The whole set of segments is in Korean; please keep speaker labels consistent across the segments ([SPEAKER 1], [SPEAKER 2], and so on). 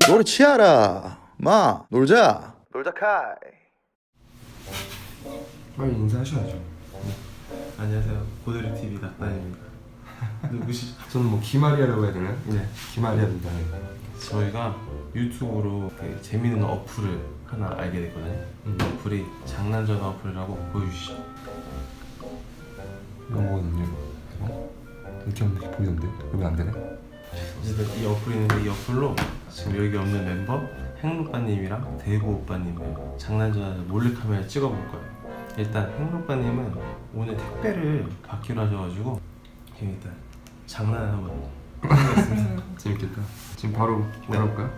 [SPEAKER 1] 노래 치아라. 마 놀자. 놀자 카이.
[SPEAKER 2] 빨리 인사하셔야죠.
[SPEAKER 3] 안녕하세요. 고드리 TV 낙단입니다. 누구시죠?
[SPEAKER 2] 저는 뭐 기마리아라고 해야 되나요?
[SPEAKER 3] 네.
[SPEAKER 2] 기마리아입니다.
[SPEAKER 3] 저희가 유튜브로 되게 재밌는 어플을 하나 알게 됐거든요. 어플이 장난전화 어플이라고 보여주시죠.
[SPEAKER 2] 이거 뭐거든요. 이렇게 하면 이렇게 보이던데? 여기 안 되네?
[SPEAKER 3] 어쨌든 이 어플이 있는데 이 어플로 지금 여기 없는 멤버 행로빠님이랑 대구 오빠님을 장난전화에서 몰래카메라 찍어볼 거예요. 일단 행로빠님은 오늘 택배를 받기로 하셔가지고 지금 일단 장난을 한번 해보겠습니다.
[SPEAKER 2] 재밌겠다. 지금 바로 열어볼까요?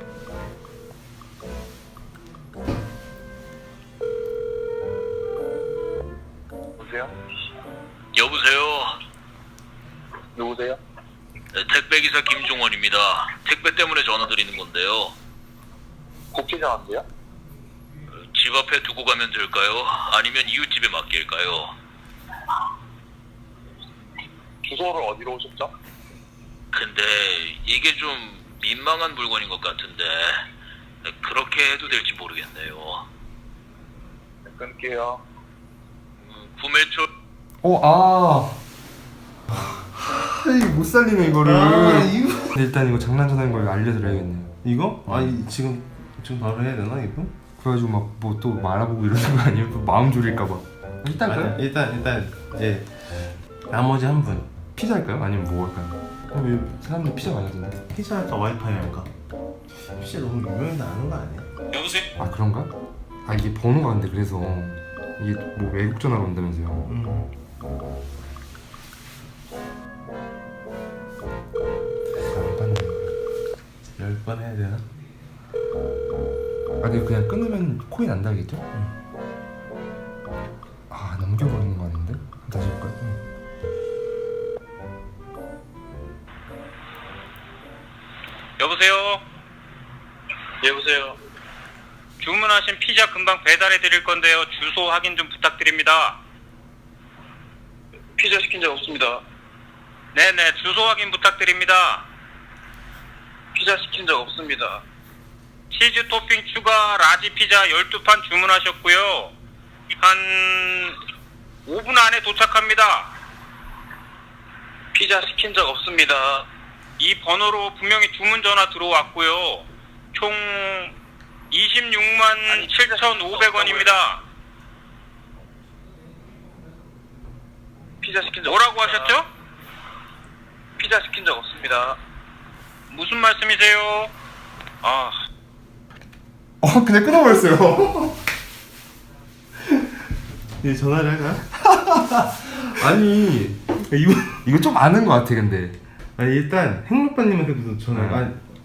[SPEAKER 4] 여보세요?
[SPEAKER 5] 여보세요.
[SPEAKER 4] 누구세요?
[SPEAKER 5] 네, 택배기사 김종원입니다. 택배 때문에 전화 드리는 건데요.
[SPEAKER 4] 국회장한데요?
[SPEAKER 5] 집 앞에 두고 가면 될까요? 아니면 이웃집에 맡길까요?
[SPEAKER 4] 주소를 어디로 오셨죠?
[SPEAKER 5] 근데 이게 좀 민망한 물건인 것 같은데 그렇게 해도 될지 모르겠네요.
[SPEAKER 4] 네, 끊을게요.
[SPEAKER 5] 구매처
[SPEAKER 2] 이거 못 살리네 이거를.
[SPEAKER 3] 이거
[SPEAKER 2] 근데 일단 이거 장난전화인 걸 알려드려야겠네요.
[SPEAKER 3] 이거? 아니 지금 바로 해야 되나 이거?
[SPEAKER 2] 그래가지고 막 뭐 또 알아보고 이러는 거 아니에요? 또 마음 졸일까봐. 일단 그래?
[SPEAKER 3] 일단 이제 나머지 한 분.
[SPEAKER 2] 피자 할까요? 아니면 뭐 할까요? 왜 사람들 피자 많이 하던데?
[SPEAKER 3] 피자 할까 와이파이 할까? 피자 너무 유명해서 아는 거 아니야?
[SPEAKER 5] 여보세요?
[SPEAKER 2] 아 그런가? 아 이게 번호가 안 돼. 그래서 이게 뭐 외국 전화로 온다면서요. 안 받네.
[SPEAKER 3] 10번 해야 되나?
[SPEAKER 2] 아 근데 그냥 끊으면 코인 안 달겠죠? 아 넘겨버리는 거 아닌데? 다시 해볼까요?
[SPEAKER 6] 여보세요?
[SPEAKER 4] 여보세요?
[SPEAKER 6] 주문하신 피자 금방 배달해 드릴 건데요. 주소 확인 좀 부탁드립니다.
[SPEAKER 4] 피자 시킨 적 없습니다.
[SPEAKER 6] 네네, 주소 확인 부탁드립니다.
[SPEAKER 4] 피자 시킨 적 없습니다.
[SPEAKER 6] 치즈 토핑 추가 라지 피자 12판 주문하셨고요. 한 5분 안에 도착합니다.
[SPEAKER 4] 피자 시킨 적 없습니다.
[SPEAKER 6] 이 번호로 분명히 주문 전화 들어왔고요. 총 26만 7,500원입니다.
[SPEAKER 4] 피자 시킨 적
[SPEAKER 6] 뭐라고
[SPEAKER 4] 없습니다.
[SPEAKER 6] 하셨죠?
[SPEAKER 4] 피자 시킨 적 없습니다.
[SPEAKER 6] 무슨 말씀이세요? 아,
[SPEAKER 2] 그냥 끊어버렸어요.
[SPEAKER 3] 이제 전화를 할까요?
[SPEAKER 2] 아니 이거 좀 아는 거 같아 근데.
[SPEAKER 3] 아니 일단 행로빠님한테도 전화를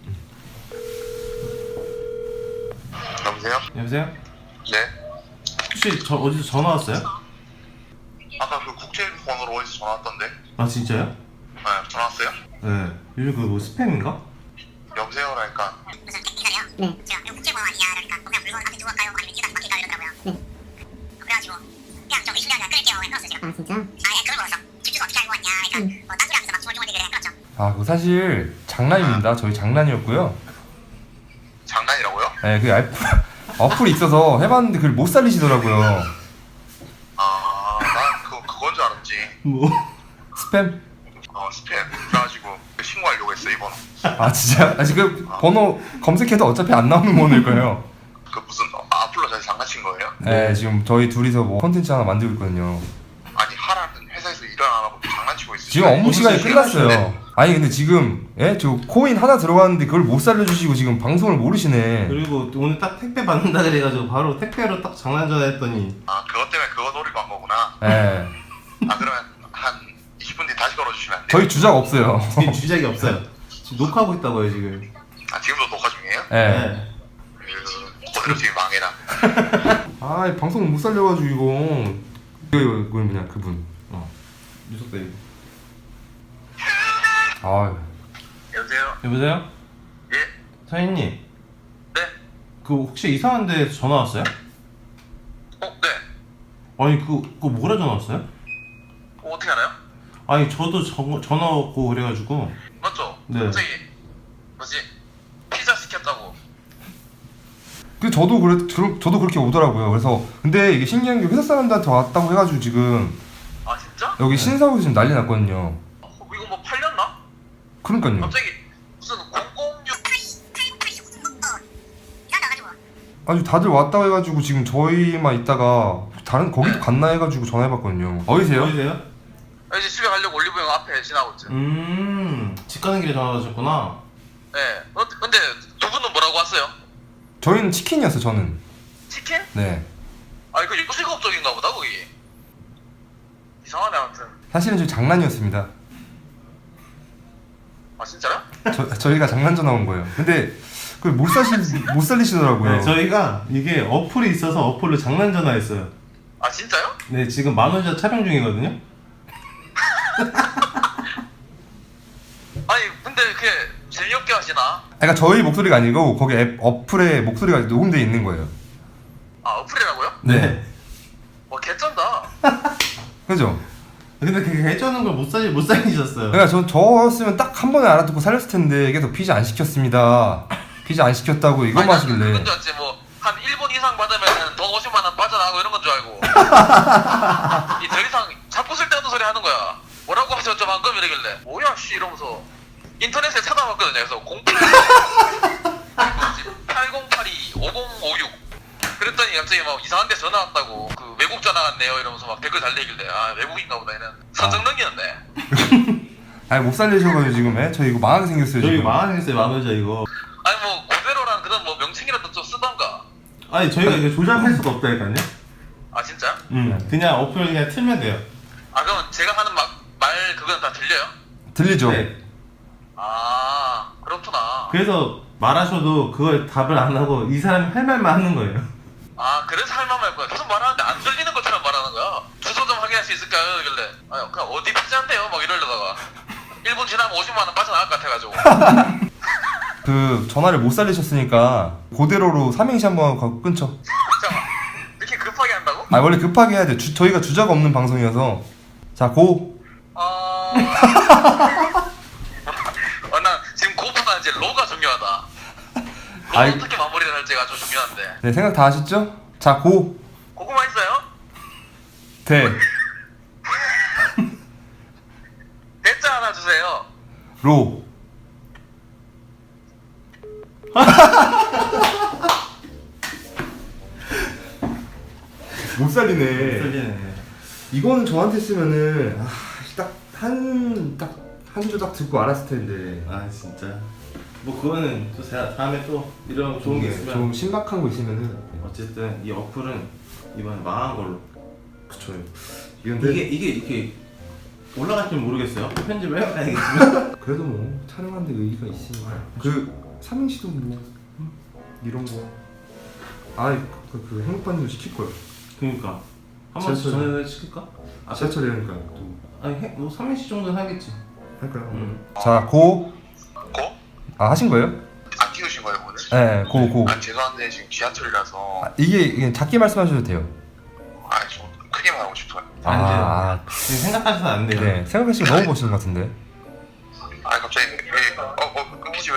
[SPEAKER 4] 여보세요?
[SPEAKER 3] 여보세요?
[SPEAKER 4] 네?
[SPEAKER 3] 혹시 어디서 전화 왔어요?
[SPEAKER 4] 아까 그 국제번호로 어디서 전화 왔던데?
[SPEAKER 3] 아 진짜요?
[SPEAKER 4] 네, 전화 왔어요?
[SPEAKER 3] 네. 요즘 그거 뭐 스팸인가?
[SPEAKER 4] 여보세요라니까.
[SPEAKER 7] 무슨 택배사래요? 네. 제가 이거 국제번호 아니야 이러니까 그냥 물건 앞에 두고 갈까요? 아니면 이거 다시 맡길까요? 이러더라고요. 네. 그래가지고 그냥 좀 의심이 그냥 끊을게요. 그냥 끊었어요 제가. 아 진짜? 아예 그걸 몰랐어. 집 주소 어떻게 알고 왔냐. 그러니까 뭐 딴소리 하면서 막 중얼중얼대길래 그냥 끊었죠.
[SPEAKER 2] 아 그거 사실 장난입니다. 저희 장난이었고요.
[SPEAKER 4] 장난이라고요?
[SPEAKER 2] 네, 그 어플이 있어서 해봤는데 그걸 못 살리시더라고요.
[SPEAKER 4] 난 그건 줄 알았지.
[SPEAKER 3] 뭐?
[SPEAKER 2] 스팸?
[SPEAKER 4] 스팸. 그래가지고 신고하려고 했어, 이 번호.
[SPEAKER 2] 아 진짜? 아 지금 번호 검색해도 어차피 안 나오는 번호일 거예요.
[SPEAKER 4] 그 무슨 앞으로 저희 장난친 거예요?
[SPEAKER 2] 네, 지금 저희 둘이서 뭐 컨텐츠 하나 만들고 있거든요.
[SPEAKER 4] 아니 하라는 회사에서 일을 안 하고 장난치고 있어요.
[SPEAKER 2] 지금 업무 시간이 끝났어요. 아니 근데 지금 저 코인 하나 들어갔는데 그걸 못 살려주시고 지금 방송을 모르시네.
[SPEAKER 3] 그리고 오늘 딱 택배 받는다 그래가지고 바로 택배로 딱 장난 전화했더니
[SPEAKER 4] 그것 때문에 그거 노리고 한 거구나.
[SPEAKER 2] 네.
[SPEAKER 4] 그러면 한 20분 뒤에 다시 걸어주시면 안 돼요?
[SPEAKER 2] 저희 주작 없어요.
[SPEAKER 3] 지금 주작이 없어요. 지금 녹화하고 있다고요 지금.
[SPEAKER 4] 지금도 녹화 중이에요?
[SPEAKER 2] 네.
[SPEAKER 4] 그대로 지금 망해라.
[SPEAKER 2] 아 방송 못 살려가지고 이거 뭐냐 그분.
[SPEAKER 3] 유석대.
[SPEAKER 2] 아
[SPEAKER 4] 여보세요?
[SPEAKER 3] 여보세요?
[SPEAKER 4] 예?
[SPEAKER 3] 사장님.
[SPEAKER 4] 네?
[SPEAKER 3] 그 혹시 이상한 데서 전화 왔어요?
[SPEAKER 4] 네.
[SPEAKER 3] 아니 그거 뭐라 전화 왔어요?
[SPEAKER 4] 어떻게 알아요?
[SPEAKER 3] 아니 저도 전화 왔고 그래가지고.
[SPEAKER 4] 맞죠?
[SPEAKER 3] 네.
[SPEAKER 4] 갑자기 뭐지? 피자 시켰다고
[SPEAKER 2] 저도 그렇게 오더라고요. 그래서 근데 이게 신기한 게 회사 사람들한테 왔다고 해가지고 지금
[SPEAKER 4] 아 진짜?
[SPEAKER 2] 여기 신사옥에서 지금 난리 났거든요.
[SPEAKER 4] 이거 뭐 팔렸나?
[SPEAKER 2] 그러니까요.
[SPEAKER 4] 갑자기 무슨 006
[SPEAKER 2] 아주 다들 왔다고 해가지고 지금 저희만 있다가 다른 거기도 갔나 해가지고 전화해봤거든요. 어디세요?
[SPEAKER 3] 보이세요?
[SPEAKER 4] 이제 집에 가려고 올리브영 앞에 지나고 있죠.
[SPEAKER 3] 집 가는 길에 전화 받으셨구나.
[SPEAKER 4] 네. 근데 두 분은 뭐라고 왔어요?
[SPEAKER 2] 저희는 치킨이었어요. 저는.
[SPEAKER 4] 치킨?
[SPEAKER 2] 네.
[SPEAKER 4] 아 이거 요식업 쪽인가 보다 거기. 이상하네 아무튼.
[SPEAKER 2] 사실은 저 장난이었습니다.
[SPEAKER 4] 아 진짜요?
[SPEAKER 2] 저희가 장난 전화 온 거예요. 근데 그걸 못 살리시더라고요.
[SPEAKER 3] 네, 저희가 이게 어플이 있어서 어플로 장난 전화했어요.
[SPEAKER 4] 아 진짜요?
[SPEAKER 3] 네, 지금 만원자 촬영 중이거든요.
[SPEAKER 4] 아니 근데 그게 재미없게 하시나?
[SPEAKER 2] 그러니까 저희 목소리가 아니고 거기 어플에 목소리가 녹음돼 있는 거예요.
[SPEAKER 4] 아 어플이라고요?
[SPEAKER 2] 네.
[SPEAKER 4] 와 개쩐다.
[SPEAKER 2] 그죠?
[SPEAKER 3] 근데 그게 해주는 걸 못 살리셨어요.
[SPEAKER 2] 그러니까 저였으면 딱 한 번에 알아듣고 살렸을 텐데 계속 피자 안 시켰습니다. 피자 안 시켰다고 이것만 하시길래.
[SPEAKER 4] 그건 줄 알았지 뭐한 1분 이상 받으면 돈 50만 원 빠져나가고 이런 건 줄 알고. 이 더 이상 자꾸 쓸데없는 소리 하는 거야. 뭐라고 하세요 저 방금 이러길래 뭐야 씨 이러면서 인터넷에 찾아봤거든요. 그래서 8082 5056 그랬더니 갑자기 막 이상한 데 전화 왔다고 그 외국 전화 왔네요 이러면서 막 댓글 달리길래 아 외국인가 보다 얘는 선정능이었네.
[SPEAKER 2] 아니 못 살리셔가지고 지금 저희 이거 망하게 생겼어요.
[SPEAKER 3] 저희
[SPEAKER 2] 지금.
[SPEAKER 3] 만원했어요, 만원자 이거.
[SPEAKER 4] 아니 뭐 고대로란 그런 뭐 명칭이라도 좀 쓰던가.
[SPEAKER 3] 아니 저희가 이거 조작할 수가 없다니까요.
[SPEAKER 4] 아 진짜?
[SPEAKER 3] 그냥 어플 그냥 틀면 돼요.
[SPEAKER 4] 아 그럼 제가 하는 말 그건 다 들려요?
[SPEAKER 2] 들리죠?
[SPEAKER 3] 네.
[SPEAKER 4] 아 그렇구나.
[SPEAKER 3] 그래서 말하셔도 그걸 답을 안 하고 이 사람이 할 말만 하는 거예요.
[SPEAKER 4] 아 그래서 할 말만 할 거야. 계속 말하는데 안 들리는 것처럼 말하는 거야. 주소 좀 확인할 수 있을까요? 이길래 아 그냥 어디 피자인데요? 막 이러려다가 1분 지나면 50만 원 빠져나갈 것 같아가지고.
[SPEAKER 2] 그 전화를 못 살리셨으니까 그대로로 삼행시 한번 하고 끊죠.
[SPEAKER 4] 잠깐만 이렇게 급하게 한다고?
[SPEAKER 2] 아 원래 급하게 해야 돼. 저희가 주자가 없는 방송이어서. 자 고.
[SPEAKER 4] 나 지금 그것보다 이제 로가 중요하다. 로
[SPEAKER 2] 아이.
[SPEAKER 4] 어떻게 마무리를 할지가 좀 중요한데.
[SPEAKER 2] 네 생각 다 하셨죠? 자 고.
[SPEAKER 4] 고구마 있어요?
[SPEAKER 2] 대.
[SPEAKER 4] 대짜 하나 주세요.
[SPEAKER 2] 로. 못 살리네.
[SPEAKER 3] 틀리네.
[SPEAKER 2] 이거는 저한테 쓰면은 한 소절 딱 듣고 알았을 텐데.
[SPEAKER 3] 아 진짜. 뭐 그거는 또 제가 다음에 또 이런 좋은 게 있으면.
[SPEAKER 2] 좀 신박한 거 있으면은.
[SPEAKER 3] 어쨌든 이 어플은 이번에 망한 걸로.
[SPEAKER 2] 그쵸.
[SPEAKER 3] 이게 이렇게 올라갈지 모르겠어요. 편집을 해봐야겠지만.
[SPEAKER 2] 그래도 뭐 촬영하는데 의의가 있으니까. 그 삼행시도 뭐 이런 거. 그 행복반도 시킬 거예요.
[SPEAKER 3] 그러니까 한번
[SPEAKER 2] 지하철.
[SPEAKER 3] 전에 시킬까?
[SPEAKER 2] 지하철이니까 또
[SPEAKER 3] 아니 뭐 3일씩 정도는 하겠지.
[SPEAKER 2] 할까요? 자 고.
[SPEAKER 4] 고?
[SPEAKER 2] 아 하신 거예요?
[SPEAKER 4] 안 키우신 거예요 오늘?
[SPEAKER 2] 네, 고.
[SPEAKER 4] 아 죄송한데 지금 지하철이라서
[SPEAKER 2] 이게 작게 말씀하셔도 돼요.
[SPEAKER 4] 좀 크게 말하고 싶어요.
[SPEAKER 3] 안 돼요. 지금 생각하셔서 안 돼요.
[SPEAKER 2] 네, 생각하시면 너무 멋있는 것 같은데.
[SPEAKER 4] 갑자기 왜 끊기지 왜?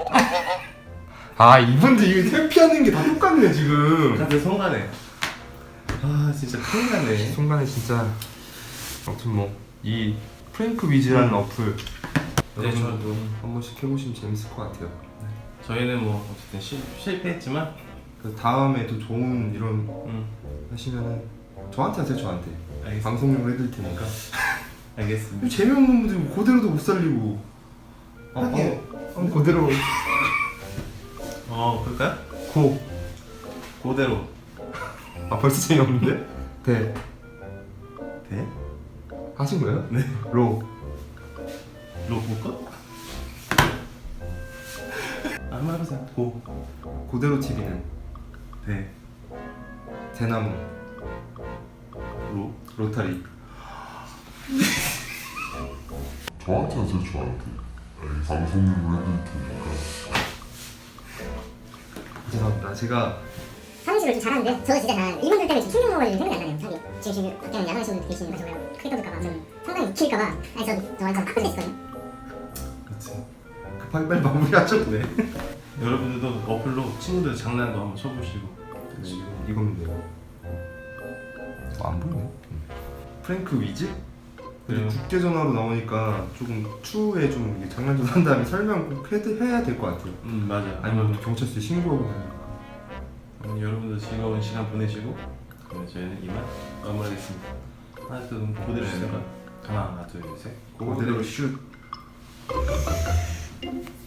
[SPEAKER 2] 이분들 이거 회피하는 게 다 똑같네 지금.
[SPEAKER 3] 갑자기 성가네. 아 진짜 큰일 났네.
[SPEAKER 2] 순간에 진짜. 아무튼 뭐 이 프랭크 위즈라는 어플
[SPEAKER 3] 네,
[SPEAKER 2] 여러분들도 한 번씩 해보시면 재밌을 것 같아요.
[SPEAKER 3] 저희는 뭐 어쨌든 실패했지만
[SPEAKER 2] 그 다음에 또 좋은 이런 하시면은 저한테 하세요. 저한테
[SPEAKER 3] 알겠습니다.
[SPEAKER 2] 방송용으로 해드릴 테니까.
[SPEAKER 3] 알겠습니다.
[SPEAKER 2] 재미없는 분들 그대로도 못 살리고. 그대로
[SPEAKER 3] 그럴까요?
[SPEAKER 2] 고.
[SPEAKER 3] 그대로.
[SPEAKER 2] 벌써 재미없는데? 대.
[SPEAKER 3] 돼?
[SPEAKER 2] 하신 거예요?
[SPEAKER 3] 네.
[SPEAKER 2] 로.
[SPEAKER 3] 볼까? 한번 해보세요. 고.
[SPEAKER 2] 그대로 TV는
[SPEAKER 3] 돼.
[SPEAKER 2] 대나무. 로타리.
[SPEAKER 8] 저한테 하세요. 저한테. 방송용으로 해드릴 테니까.
[SPEAKER 2] 죄송합니다. 제가
[SPEAKER 7] 삼행시를 좀 잘하는데 저 진짜 한 이분들 때문에 지금 충격 먹을 생각이 안 나네요. 사실 지금 밖에는 야간하시는 분들 계시니까 정말 크게 떠들까봐 좀 상당히 웃길까봐 아니 저 완전 빡 걸렸거든요.
[SPEAKER 3] 그렇지.
[SPEAKER 2] 급하게 빨리 마무리하죠.
[SPEAKER 3] 네. 여러분들도 어플로 친구들 장난도 한번 쳐보시고.
[SPEAKER 2] 네, 이거면 돼요.
[SPEAKER 1] 안 보이네.
[SPEAKER 2] 프랭크 위즈?
[SPEAKER 3] 그래요?
[SPEAKER 2] 국제 전화로 나오니까 조금 추후에 좀 이게 장난 좀 한 다음에 설명 꼭 해야 될 것 같아요.
[SPEAKER 3] 맞아요.
[SPEAKER 2] 아니면 경찰서에 신고하고 다니니까.
[SPEAKER 3] 여러분들 즐거운 시간 보내시고 그러면 저희는 이만 마무리하겠습니다. 하나 둘 그대로 주세요. 하나 둘 셋.
[SPEAKER 2] 그대로 슛.